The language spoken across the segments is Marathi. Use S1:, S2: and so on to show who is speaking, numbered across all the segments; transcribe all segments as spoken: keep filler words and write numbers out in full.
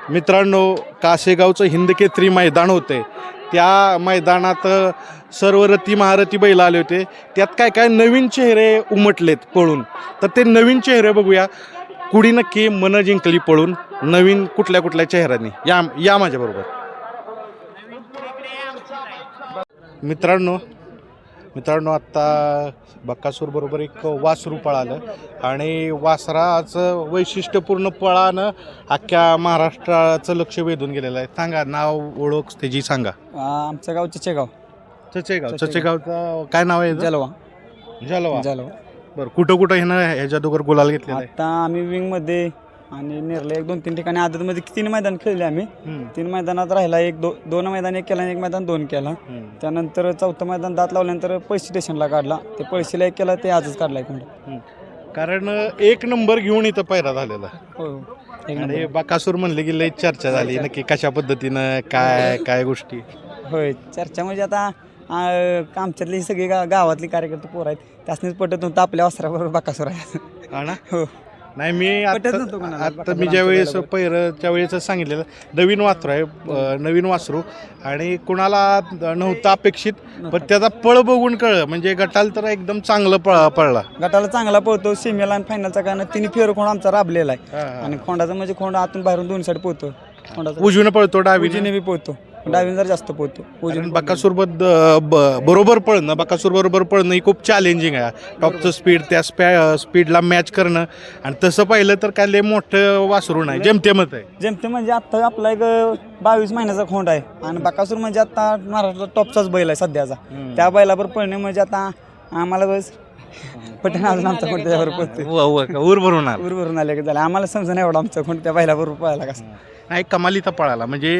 S1: मित्रांनो, कासेगावचं हिंदकेसरी मैदान होते. त्या मैदानात सर्व रथी महारथी बैल आले होते. त्यात काय काय नवीन चेहरे उमटलेत पळून. तर ते नवीन चेहरे बघूया. कुडी नक्की मन जिंकली पळून नवीन कुठल्या कुठल्या चेहऱ्यांनी. या या माझ्याबरोबर. मित्रांनो मित्रांनो आत्ता बक्कासूर बरोबर एक वासरू पळालं आणि वासराचं वैशिष्ट्यपूर्ण पळानं अख्ख्या महाराष्ट्राचं लक्ष वेधून गेलेलं आहे. सांगा नाव ओळख त्याची सांगा.
S2: आमचं गाव चचेगाव.
S1: चचेगाव. चचेगावचं काय नाव आहे?
S2: जलवा.
S1: जलवा.
S2: जलवा.
S1: बरं, कुठं कुठं हे ना ह्याच्या दोघर गुलाल घेतलेला आहे?
S2: आता आम्ही विंगमध्ये आणि नेरला एक दोन तीन ठिकाणी आदतमध्ये तीन मैदान खेळले आम्ही. तीन मैदानात राहिला एक दो दोन मैदान एक केला आणि एक मैदान दोन केला. त्यानंतर चौथं मैदान दात लावल्यानंतर पैसे स्टेशनला काढला. ते पैसेला एक केला ते आजच काढला एक मिनिट.
S1: कारण एक नंबर घेऊन इथं पैरा झालेला.
S2: हो.
S1: आणि बकासूर म्हणले की लई चर्चा झाली नक्की कशा पद्धतीनं काय काय गोष्टी.
S2: होय, चर्चा म्हणजे आता आमच्यातली सगळी गा गावातली कार्यकर्ते पोर आहेत. त्यासनीच पटत नव्हतं आपल्या वस्त्राबरोबर बकासूर आहे.
S1: हा ना.
S2: हो.
S1: नाही, मी आता आता मी ज्या वेळेस पैरच्या वेळेस सांगितलेलं नवीन वासरू आहे, नवीन वासरू आणि कुणाला नव्हतं अपेक्षित, पण त्याचा पळ बघून कळलं. म्हणजे गटाला तर एकदम चांगलं पळ पळला.
S2: गटाला चांगला पळतो. सीमेला आणि फायनलचा कारण तिन्ही फेर खोंड आमचा राबलेला आहे. आणि खोंडाचा म्हणजे खोंड आतून बाहेरून दोन साईड पोहतो. खोंडाचा
S1: उजवीनं पळतो, डावीने
S2: बी पोहतो. डावीने जर जास्त पोहतो.
S1: उजवीन बकासूर बद्द बरोबर पळणं बकासूर बरोबर पळणं ही खूप चॅलेंजिंग आहे. टॉपचं स्पीड त्या स्पॅ स्पीडला मॅच करणं. आणि तसं पाहिलं तर काय लय मोठं वासरू नाही, जेमतेमत आहे.
S2: जेमते म्हणजे आता आपला एक बावीस महिन्याचा खोंड आहे. आणि बकासूर म्हणजे आता महाराष्ट्रात टॉपचाच बैल आहे सध्याचा. त्या बैलावर पळणे म्हणजे आता आम्हाला बस पटन अजून आमचा खोंड त्याच्याबरोबर पळतो.
S1: ऊर भरून
S2: ऊर भरून आले की झालं. आम्हाला समजा नाही एवढा आमचा खोंड त्या बैलाबरोबर पळायला कसं.
S1: नाही, कमालीचा पळाला म्हणजे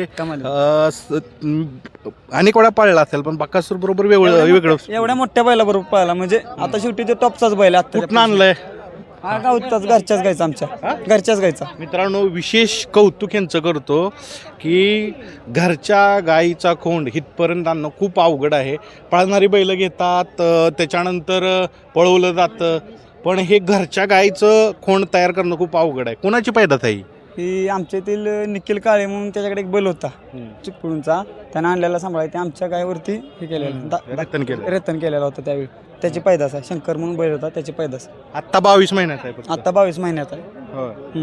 S1: अनेक वेळा पळला असेल, पण बकासूर बरोबर वेगळं वेगळं
S2: एवढ्या मोठ्या बैलाबरोबर पळाला म्हणजे आता शेवटी तो टॉपचाच बैल आता.
S1: कुठं आणलंय?
S2: हा गावचाच, घरच्याच गायचा, आमच्या घरच्याच गायचा.
S1: मित्रांनो, विशेष कौतुक यांचं करतो की घरच्या गाईचा खोंड हितपर्यंत आणणं खूप अवघड आहे. पळणारी बैलं घेतात, त्याच्यानंतर पळवलं जातं, पण हे घरच्या गाईचं खोंड तयार करणं खूप अवघड आहे. कोणाची पैदास आहे
S2: ही? आमच्या येथील निखिल काळे म्हणून त्याच्याकडे एक बैल होता चिपळूणचा. त्यानं आणलेला सांभाळायला आमच्या गायवरती हे केलेलं
S1: रतन केलं
S2: रतन केलेला होता त्यावेळी. त्याची पैदास आहे. शंकर म्हणून बैल होता, त्याची पैदास
S1: आत्ता बावीस महिन्यात आहे.
S2: आता बावीस महिन्यात आहे.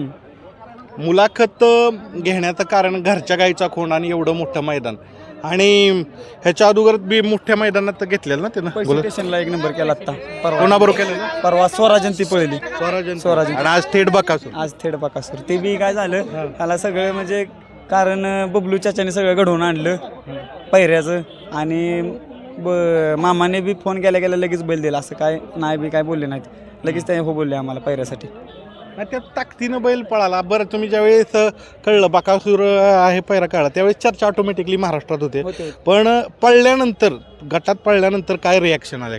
S1: मुलाखत घेण्याचं कारण घरच्या गाईचा खोंड आणि एवढं मोठं मैदान. आणि ह्याच्या अगोदर बी मोठ्या मैदानात घेतलेलं ना त्यानं.
S2: स्टेशनला एक नंबर केला आता. परवा
S1: कोणाबरोबर केलं?
S2: परवा स्वराजन ती पळली.
S1: स्वराजन.
S2: स्वराजन.
S1: आणि आज थेट बकासूर.
S2: आज थेट बकासूर. ते बी काय झालं त्याला सगळं म्हणजे कारण बबलू चाचाने सगळं घडवून आणलं पैऱ्याचं. आणि ब मामाने बी फोन केल्या गेल्या लगेच बैल दिला. असं काय नाही बी काय बोलले नाहीत, लगेच त्याने हो बोलले आम्हाला पैऱ्यासाठी.
S1: त्या ताकदीनं बैल पळाला. बरं, तुम्ही ज्यावेळेस कळलं बकासूर आहे पैरा कळला त्यावेळेस चर्चा ऑटोमॅटिकली महाराष्ट्रात होते. पण पळल्यानंतर गटात पळल्यानंतर काय रिॲक्शन आले?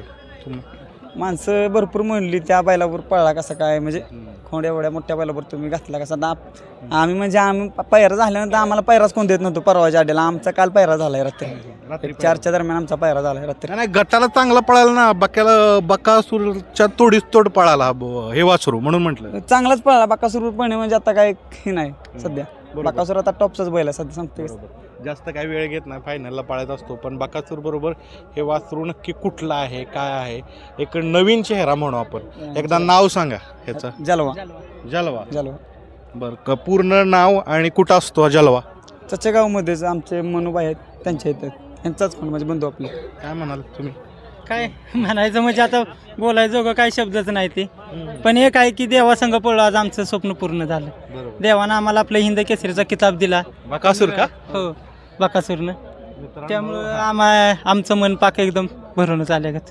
S2: माणसं भरपूर म्हणली त्या बैलावर पळला कसा काय, म्हणजे खोंड एवढ्या मोठ्या बैलावर तुम्ही घातला कसा. आम्ही म्हणजे आम्ही पैरा झाल्यानंतर आम्हाला पैराच कोण देत नव्हतो. परवाच्या आड्याला आमचा काल पैरा झालाय रात्री चारच्या दरम्यान आमचा पैरा झालाय रात्री.
S1: नाही, गटाला चांगला पळाला ना. बक्याला बकासूरच्या तोडीस तोड पळाला हे वासरू, म्हणून म्हटलं
S2: चांगलाच पळाला. बकासूर पळणे म्हणजे आता काय हे नाही सध्या. बकासूर आता टॉपचाच बैल आहे सध्या सांगते.
S1: जास्त काही वेळ घेत नाही, फायनलला पाळत असतो. पण बकासूर बरोबर हे वासरू नक्की कुठलं आहे, काय आहे, एक नवीन चेहरा म्हणू आपण. एकदा नाव सांगा ह्याचं.
S2: जलवा.
S1: जलवा.
S2: जलवा.
S1: बरं, पूर्ण नाव आणि कुठं असतो जलवा?
S2: चचेगावमध्येच आमचे मनुबाई आहेत, त्यांच्या इथं त्यांचाच कोण म्हणजे बंधू आपले.
S1: काय म्हणाल तुम्ही?
S3: काय म्हणायचं म्हणजे आता बोलायचं काय शब्दच नाही ते. पण एक आहे की देवासंग पळलो आज आमचं स्वप्न पूर्ण झालं. देवानं आम्हाला आपलं हिंद केसरीचा किताब दिला.
S1: बकासूर का?
S3: हो, बकासूरनं. त्यामुळं आम्हा आमचं मन पाक एकदम भरूनच आल्यागत.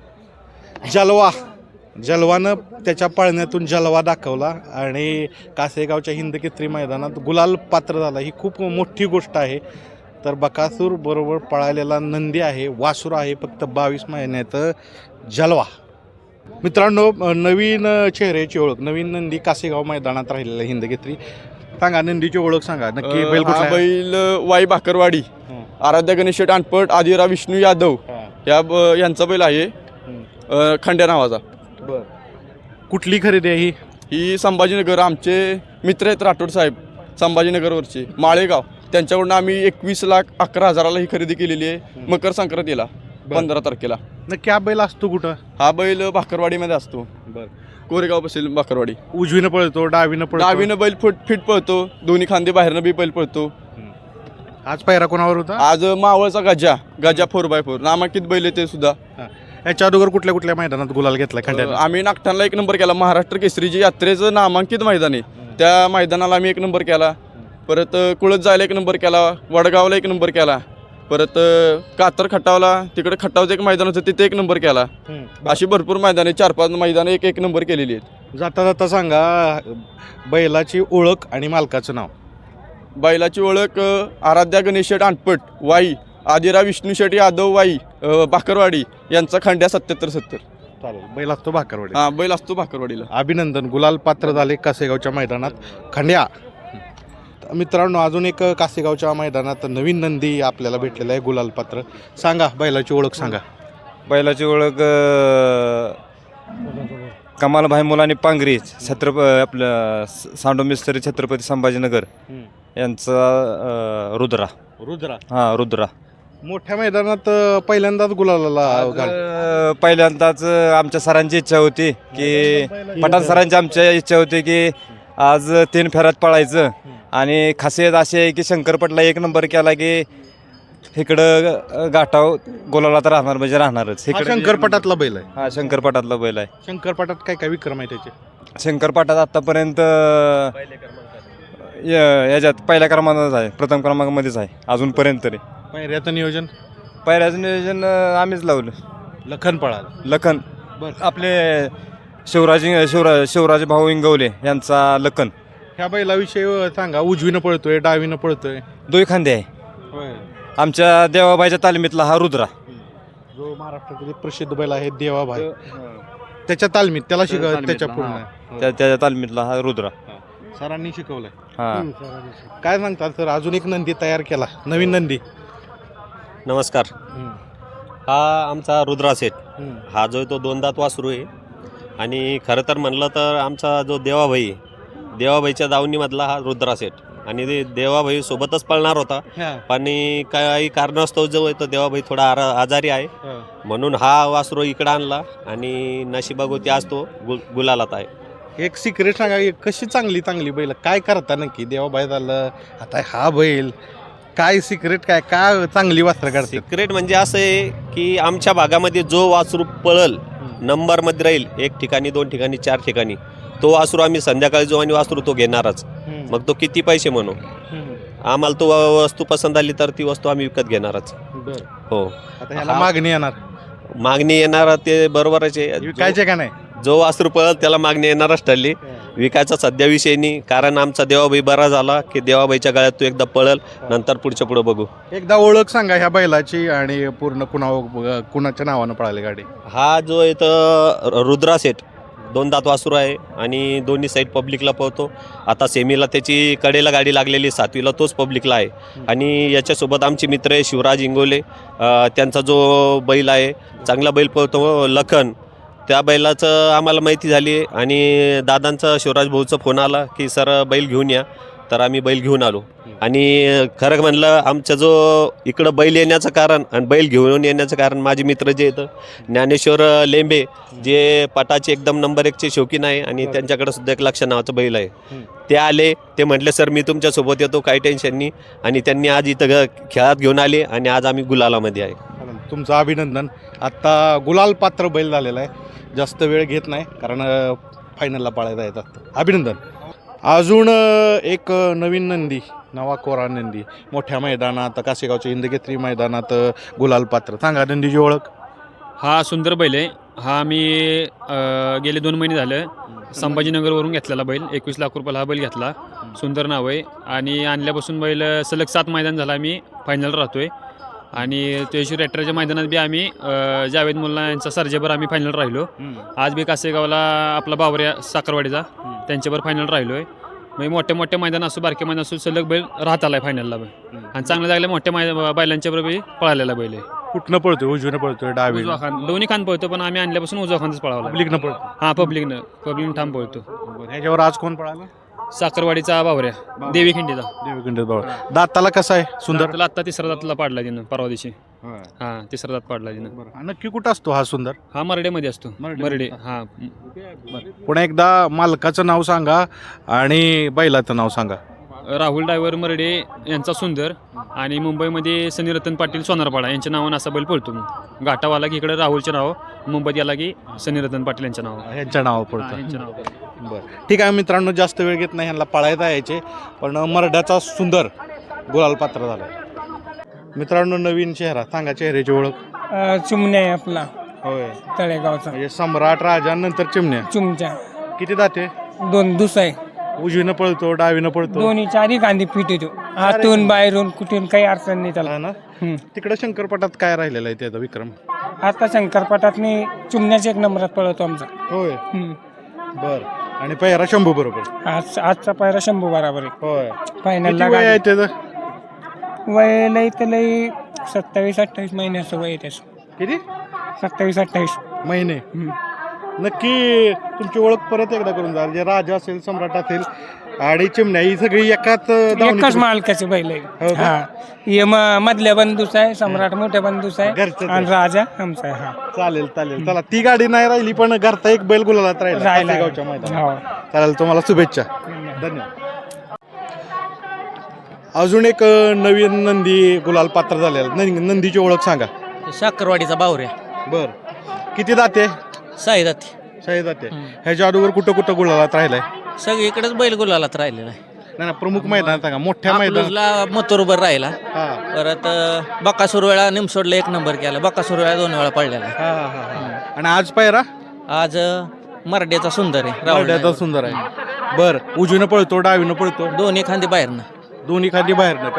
S1: जलवा. जलवानं त्याच्या पाळण्यातून जलवा दाखवला आणि कासेगावच्या हिंद केसरी मैदानात गुलाल पात्र झाला. ही खूप मोठी गोष्ट आहे. तर बकासूर बरोबर पळालेला नंदी आहे, वासूर आहे फक्त बावीस महिन्यात जलवा. मित्रांनो, नवीन चेहऱ्याची ओळख, नवीन नंदी कासेगाव मैदानात राहिलेला हिंद केसरी. सांगा नंदीची ओळख सांगा नक्की. बैल कुठला?
S4: बैल वाई भाकरवाडी, आराध्या गणेश टाणपट, आदिरा विष्णू यादव या यांचा बैल आहे, खंड्या नावाचा.
S1: बर, कुठली खरेदी आहे ही?
S4: ही संभाजीनगर. आमचे मित्र आहेत राठोड साहेब, संभाजीनगरवरचे माळेगाव त्यांच्याकडून आम्ही एकवीस लाख अकरा हजाराला ही खरेदी केलेली आहे मकर संक्रांतीला पंधरा तारखेला.
S1: नक्की हा बैल असतो कुठं?
S4: हा बैल भाकरवाडीमध्ये असतो.
S1: बरं.
S4: कोरेगाव बसेल भाकरवाडी.
S1: उजवीनं पळतो डावीनं पळतो?
S4: डावीनं बैल फुट फिट पळतो, दोन्ही खांदे बाहेरनं बी बैल पळतो.
S1: आज पायरा कोणावर होता?
S4: आज मावळचा Gaja Gaja four by four नामांकित बैल आहे ते सुद्धा.
S1: याच्या अगोदर कुठल्या कुठल्या मैदानात गुलाल घेतला खंड्यात?
S4: आम्ही नागठाणला एक नंबर केला. महाराष्ट्र केसरीची यात्रेचं नामांकित मैदान आहे त्या मैदानाला आम्ही एक नंबर केला. परत कुळत जायला एक नंबर केला, वडगावला एक नंबर केला, परत कातर खटावला तिकडे खटावचं एक मैदान होतं तिथे एक नंबर केला. अशी भरपूर मैदाने चार पाच मैदानं एक एक नंबर केलेली आहेत.
S1: जाता जाता सांगा बैलाची ओळख आणि मालकाचं नाव.
S4: बैलाची ओळख आराध्या गणेश शेठ आणपट वाई, आदिरा विष्णू शेठ यादव वाई भाकरवाडी यांचा खंड्या सत्याहत्तर सत्तर.
S1: चालेल. बैल असतो भाकरवाडी.
S4: हा बैल असतो भाकरवाडीला.
S1: अभिनंदन. गुलाल पात्र झाले कासेगावच्या मैदानात खंड्या. मित्रांनो अजून एक कासेगावच्या मैदानात नवीन नंदी आपल्याला भेटलेला आहे गुलाल पात्र. सांगा बैलाची ओळख सांगा.
S5: बैलाची ओळख कमालभाई मुलानी पांगरी छत्रप आपलं सांडो मिस्त्री छत्रपती संभाजीनगर यांचा रुद्रा.
S1: रुद्रा.
S5: हां रुद्रा.
S1: मोठ्या मैदानात पहिल्यांदाच गुलालाला घाल.
S5: आज पहिल्यांदाच आमच्या सरांची इच्छा होती की पठाण सरांची आमच्या इच्छा होती की आज तीन फेऱ्यात पळायचं आणि खासियत अशी आहे की शंकरपटला एक नंबर केला की इकडं गाठाव गोलाला तर राहणार म्हणजे राहणारच.
S1: हा शंकरपटातला बैल आहे.
S5: हा शंकरपटातला बैल आहे.
S1: शंकरपटात काय काय विक्रम आहे त्याचे?
S5: शंकरपटात आतापर्यंत याच्यात पहिल्या क्रमांकाच आहे, प्रथम क्रमांकामध्येच आहे अजूनपर्यंत तरी.
S1: पायऱ्याचं नियोजन?
S5: पायऱ्याचं नियोजन आम्हीच लावलं.
S1: लखन पळाल.
S5: लखन आपले शिवराज शिवराज शिवराज भाऊ इंगवले यांचा लखन.
S1: ह्या बैलाविषयी सांगा. उजवीनं पळतोय डावीनं पळतोय?
S5: दोई खांदे आहे. आमच्या देवाबाईच्या तालमीतला हा रुद्रा
S1: जो महाराष्ट्रातील प्रसिद्ध बैल आहे देवाभाई त्याच्या तालमीत त्याला शिकव त्याच्या पूर्ण
S5: त्या त्याच्या तालमीतला हा रुद्रा
S1: सरांनी शिकवलंय.
S5: हा.
S1: काय सांगतात सर? अजून एक नंदी तयार केला नवीन नंदी.
S6: नमस्कार. हा आमचा रुद्रा सेट. हा जो आहे तो दोन दात वासरू आहे आणि खरं तर म्हणलं तर आमचा जो देवाभाई देवाभाईच्या दावणीमधला हा रुद्रा सेट आणि ते देवाभाई सोबतच पळणार होता पण काही कारणास्तव जो आहे तो देवाभाई थोडा आरा आजारी आहे म्हणून हा वासरू इकडं आणला आणि नशिबागोती आज तो गु गुलालात आहे.
S1: एक सिक्रेट सांगा. कशी चांगली चांगली बैल काय करता नक्की? देवाबाई झालं आता हा बैल काय सिक्रेट काय काय चांगली वासरं काढतात?
S6: सिक्रेट म्हणजे असं आहे की आमच्या भागामध्ये जो वासरू पळल नंबरमध्ये राहील एक ठिकाणी दोन ठिकाणी चार ठिकाणी तो वासरू आम्ही संध्याकाळी जो आणि वासरू तो घेणारच. मग तो किती पैसे म्हणू आम्हाला तो वस्तू पसंत आली तर ती वस्तू आम्ही विकत घेणारच. हो.
S1: आता ह्याला मागणी येणार?
S6: मागणी येणार ते बरोबरच आहे.
S1: विकायचे का नाही?
S6: जो वासरू पळल त्याला मागणी येणारच ठरली. विकायचा सध्या विषय नाही कारण आमचा देवाबाई बरा झाला की देवाबाईच्या गळ्यात तो एकदा पळल नंतर पुढच्या पुढे बघू.
S1: एकदा ओळख सांगा ह्या बैलाची आणि पूर्ण कुणा कुणाच्या नावानं पळाली गाडी?
S6: हा जो आहे तर रुद्रा सेट दोन दात वासरू आहे आणि दोन्ही साईड पब्लिकला पळतो. आता सेमीला त्याची कडेला गाडी लागलेली सातवीला तोच पब्लिकला आहे आणि याच्यासोबत आमचे मित्र आहे शिवराज इंगोले त्यांचा जो बैल आहे चांगला बैल पळतो लखन. त्या बैलाचं आम्हाला माहिती झाली आणि दादांचा शिवराज भाऊचा फोन आला की सर बैल घेऊन या तर आम्ही बैल घेऊन आलो. आणि खरं म्हणलं आमचं जो इकडं बैल येण्याचं कारण आणि बैल घेऊन येण्याचं कारण माझे मित्र जे आहेत ज्ञानेश्वर लेंबे जे पटाचे एकदम नंबर एकचे शौकीन आहे आणि त्यांच्याकडे सुद्धा एक लक्ष नावाचं बैल आहे. ते आले ते म्हटले सर मी तुमच्यासोबत येतो काही टेन्शन नाही आणि त्यांनी आज इथं खेळात घेऊन आले आणि आज आम्ही गुलालामध्ये आहे.
S1: तुमचं अभिनंदन. आत्ता गुलाल पात्र बैल झालेला आहे. जास्त वेळ घेत नाही कारण फायनलला पाळायला येतात. अभिनंदन. अजून एक नवीन नंदी नवा कोरा नंदी मोठ्या मैदानात कासेगावच्या हिंदकेसरी मैदानात गुलाल पात्र. सांगा नंदीची ओळख.
S7: हा सुंदर बैल आहे. हा मी गेले दोन महिने झालं संभाजीनगरवरून घेतलेला बैल. एकवीस लाख रुपयाला हा बैल घेतला. सुंदर नाव आहे आणि आणल्यापासून बैल सलग सात मैदान झाला आम्ही फायनल राहतो आहे आणि तेजश्वर रेट्राच्या मैदानात बी आम्ही जावेद मुल्ला यांचा सर्जेवर आम्ही फायनल राहिलो. आज बी कासेगावला आपला बावऱ्या साखरवाडीचा त्यांच्यावर फायनल राहिलो आहे. म्हणजे मोठ्या मोठ्या मैदान असो बारके मैदान असो सलग बैल राहत आला आहे फायनलला बैल आणि चांगल्या जागल्या मोठ्या मै बैलांच्या बरोबर पळालेला बैल आहे.
S1: कुठनं पळतोय? उजवीनं पळतोय डावी?
S7: उजवा खान दोन्ही खान पळतो पण आम्ही आणल्यापासून उजवा खानच पळावला.
S1: पब्लिकनं पळतो?
S7: हां पब्लिकनं पब्लिकनं ठाम पळतो.
S1: ह्याच्यावर आज कोण पळाला?
S7: साखरवाडीचा बावऱ्या देवी खिंडीचा
S1: देवीखंड बाबा दाताला कसा आहे सुंदर
S7: दाताला आत्ता तिसरा दाताला पाडला तिनं परवा दिवशी हा तिसरा दात पाडला तिनं
S1: बरं. नक्की कुठं असतो हा सुंदर
S7: हा मरडेमध्ये असतो
S1: मरडे.
S7: मरडे हा
S1: पुन्हा एकदा मालकाचं नाव सांगा आणि बैलाचं नाव सांगा.
S7: राहुल डायव्हर मरडे यांचा सुंदर आणि मुंबईमध्ये सनीरतन पाटील सोनारपाडा यांच्या नावानं असा बैल पळतो मग घाटावाला की इकडे राहुलचे नाव मुंबईत याला की सनीरतन पाटील यांच्या नाव
S1: यांच्या नाव पडतं
S7: यांच्या नाव
S1: बरं ठीक आहे मित्रांनो जास्त वेळ घेत नाही ह्यांना पळायला यायचे पण मरड्याचा सुंदर गुलाल पात्र झाला. मित्रांनो नवीन चेहरा सांगा चेहऱ्याची ओळख.
S8: चुमण्या आहे आपला
S1: होय
S8: तळेगावचा
S1: म्हणजे सम्राट राजा नंतर चिमण्या
S8: चुमच्या
S1: किती दाते
S8: दोन दुस आहे
S1: उजवीनं पळतो डावीनं पळतो
S8: दोन्ही चारी कांदी पीठ येतो हातून बाहेरून कुठून काही अडचण नाही त्याला.
S1: हा ना
S8: हम्म.
S1: तिकडे शंकरपटात काय राहिलेलं आहे त्याचा विक्रम.
S8: आता शंकरपाटात मी चुमण्याच्या एक नंबरात पळवतो आमचा.
S1: होय
S8: हम्म.
S1: बर आणि पहिरा शंभू बरोबर
S8: आज आजचा पायरा शंभू बराबर आहे
S1: होय
S8: फायनलला
S1: किती वय आहे त्याचं.
S8: वय लई तर लई सत्तावीस अठ्ठावीस महिन्याचं वय आहे त्याचं.
S1: किती
S8: सत्तावीस अठ्ठावीस.
S1: महिने
S8: हम्म.
S1: नक्की तुमची ओळख परत एकदा करून जा जे राजा असेल सम्राट असेल आणि चिमण्या ही सगळी एकाच दावणीत-
S8: एकाच मालकाचे बैल
S1: हो
S8: आहे.
S1: का?
S8: हा हे म- मधल्या बंधूस आहे सम्राट मोठ्या बंधूस आहे
S1: घरचंच आहे.
S8: आणि राजा आमचा आहे. हा
S1: चालेल चालेल चला ती गाडी नाही राहिली पण घरचा एक बैल गुलालात राहिला
S8: राहिला.
S1: कासेगावच्या मैदानात.
S8: हो.
S1: चालेल तुम्हाला शुभेच्छा धन्यवाद. अजून एक अ, नवीन नंदी गुलाल पात्र झालेला नं- नंदीची ओळख सांगा.
S9: साखरवाडीचा बावऱ्या
S1: बर किती दाते
S9: साईदाती
S1: शाही दाते ह्याच्या अगोदर कुठं कुठं गुलालात राहिलाय.
S9: सगळीकडेच बैल गुलालात राहिलेला आहे.
S1: नाही ना प्रमुख मैदान सांगा मोठ्या मैदान.
S9: अकलूजला मथुरभर राहिला.
S1: हा
S9: परत बकासूर वेळा निमसोडला एक नंबर केला. बकासूर वेळा दोन वेळा पडलेला आहे.
S1: हा हा हा आणि आज पायरा
S9: आज अ, मराठ्याचा सुंदर आहे राहुल
S1: मराठ्याचा
S9: नाईक.
S1: सुंदर आहे. बर उजवीनं पळतो डावीनं पळतो
S9: दोन्ही खांदी बाहेरनं.
S1: दोन्ही खाली बाहेर ना का.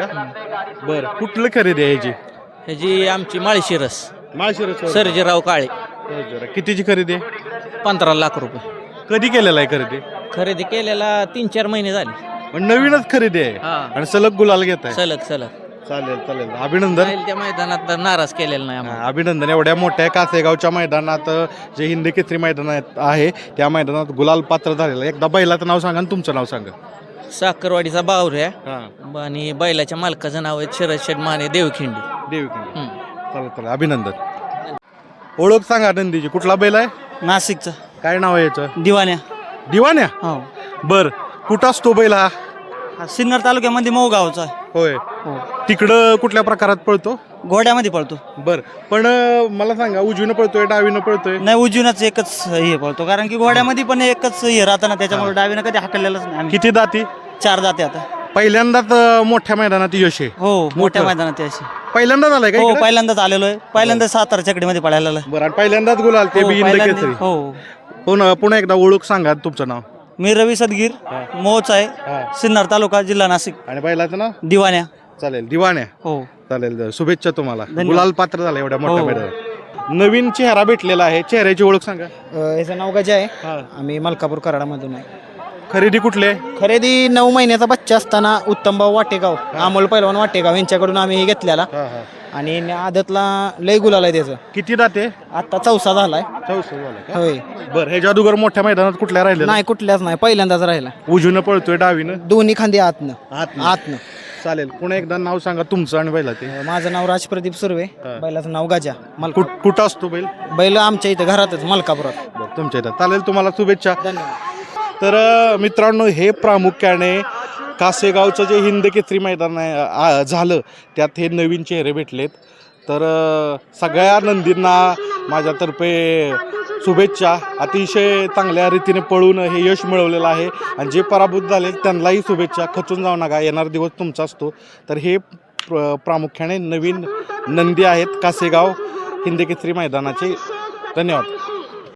S1: बर कुठलं खरेदी आहे ह्याची.
S9: ह्याची आमची माळशिरस
S1: माळशिरस
S9: सर्जेराव काळे
S1: कितीची खरेदी आहे.
S9: पंधरा लाख रुपये
S1: कधी केलेला आहे खरेदी.
S9: खरेदी केलेला तीन चार महिने झाले.
S1: पण नवीनच खरेदी आहे
S9: हा.
S1: आणि सलग गुलाल घेत आहे.
S9: सलग सलग
S1: चालेल चालेल अभिनंदन.
S9: राहील त्या मैदानात तर नाराज केलेला नाही आम्हाला.
S1: हा, अभिनंदन एवढ्या मोठ्या कासेगावच्या मैदानात अ, जे हिंदी केसरी मैदान आहेत- आहे त्या मैदानात गुलाल पात्र झालेलं आहे. एकदा बैलाचं नाव सांगा आणि तुमचं नाव सांगा.
S9: साखरवाडीचा बावऱ्या
S1: हा
S9: आणि बैलाच्या मालकाचं नाव आहे शरद शेठ माने देवखिंडी.
S1: देवीकडे
S9: हम्म.
S1: चालेल चालेल अभिनंदन. ओळख सांगा नंदीची कुठला बैल आहे.
S2: नाशिकचा
S1: काय नाव आहे याचं.
S2: दिवाण्या.
S1: दिवाण्या
S2: हो
S1: बर कुठं असतो बैल हा.
S2: हा सिन्नर तालुक्यामध्ये मोगावचा आहे.
S1: होय
S2: हो
S1: तिकडं कुठल्या प्रकारात पळतो.
S2: घोड्यामध्ये पळतो.
S1: बर पण अ, मला सांगा उजवीनं पळतोय डावीनं पळतोय.
S2: नाही उजवीनच एकच हे पळतो कारण की घोड्यामध्ये पण एकच हे राहतं ना त्याच्यामुळे डावीनं कधी हाकललेलंच नाही आम्ही.
S1: किती दाती.
S2: चार जाते आता.
S1: पहिल्यांदाच अ, मोठ्या मैदानात यश आहे.
S2: हो मोठ्या
S1: मोठं.
S2: मैदानात अशी.
S1: पहिल्यांदाच आलाय का
S2: हो
S1: इकडं?
S2: पहिल्यांदाच आलेलो आहे. पहिल्यांदा सातारा चकडीमध्ये पळायला आलोय.
S1: बरं आणि पहिल्यांदाच गुलाल ते
S2: हो,
S1: बी हिंद
S2: पहिल्यांदा-
S1: केसरी.
S2: हो
S1: पुन्हा पुन्हा एकदा ओळख सांगा तुमचं नाव.
S2: मी रवी सदगीर मोच आहे
S1: हा.
S2: सिन्नर तालुका जिल्हा नाशिक.
S1: आणि बैलाचं नाव
S2: दिवाण्या.
S1: चालेल दिवाण्या.
S2: हो
S1: चालेल शुभेच्छा तुम्हाला.
S2: धन्यवाद.
S1: गुलाल पात्र झाला एवढ्या मोठ्या
S2: हो.
S1: मैदानात. नवीन चेहरा भेटलेला आहे चेहऱ्याची ओळख सांगा.
S10: याचं नाव गजा आहे.
S1: हा.
S10: आम्ही मलकापूर कराडामधून आहे.
S1: खरेदी कुठली आहे.
S10: खरेदी नऊ महिन्याचा बच्चा असताना उत्तमभाऊ वाटेगाव अमोल पैलवान वाटेगाव यांच्याकडून आम्ही हे घेतलेला आणि आदतला लय गुलाल आहे त्याचं.
S1: किती दाते.
S10: आता चौसा झालाय.
S1: चौसा झाला का?
S10: होय
S1: बरं ह्याच्या अगोदर मोठ्या मैदानात कुठल्या राहिले.
S10: नाही कुठल्याच नाही पहिल्यांदाच राहिला.
S1: उजवीनं पळतोय डावीनं.
S10: दोन्ही खांदी आतनं
S1: आतनं.
S10: आतनं.
S1: चालेल पुन्हा एकदा नाव सांगा तुमचं आणि बैला ते.
S10: माझं नाव राजप्रदीप सुर्वे.
S1: हा.
S10: बैलाचं नाव गजा. मल
S1: कुठ- कुठं असतो बैल.
S10: बैल आमच्या इथं घरातच मलकापुरात.
S1: बरं, तुमच्या इथं चालेल तुम्हाला शुभेच्छा.
S10: धन्यवाद.
S1: तर अ, मित्रांनो हे प्रामुख्याने कासेगावचं जे हिंद केसरी मैदान आहे, आ, झालं त्यात हे नवीन चेहरे भेटलेत. तर अ, सगळ्या नंदींना माझ्यातर्फे शुभेच्छा. अतिशय चांगल्या रीतीने पळून हे यश मिळवलेलं आहे आणि जे पराभूत झाले त्यांनाही शुभेच्छा. खचून जाऊ नका येणारा दिवस तुमचा असतो. तर हे प्र प्रामुख्याने नवीन नंदी आहेत कासेगाव हिंद केसरी मैदानाचे. धन्यवाद.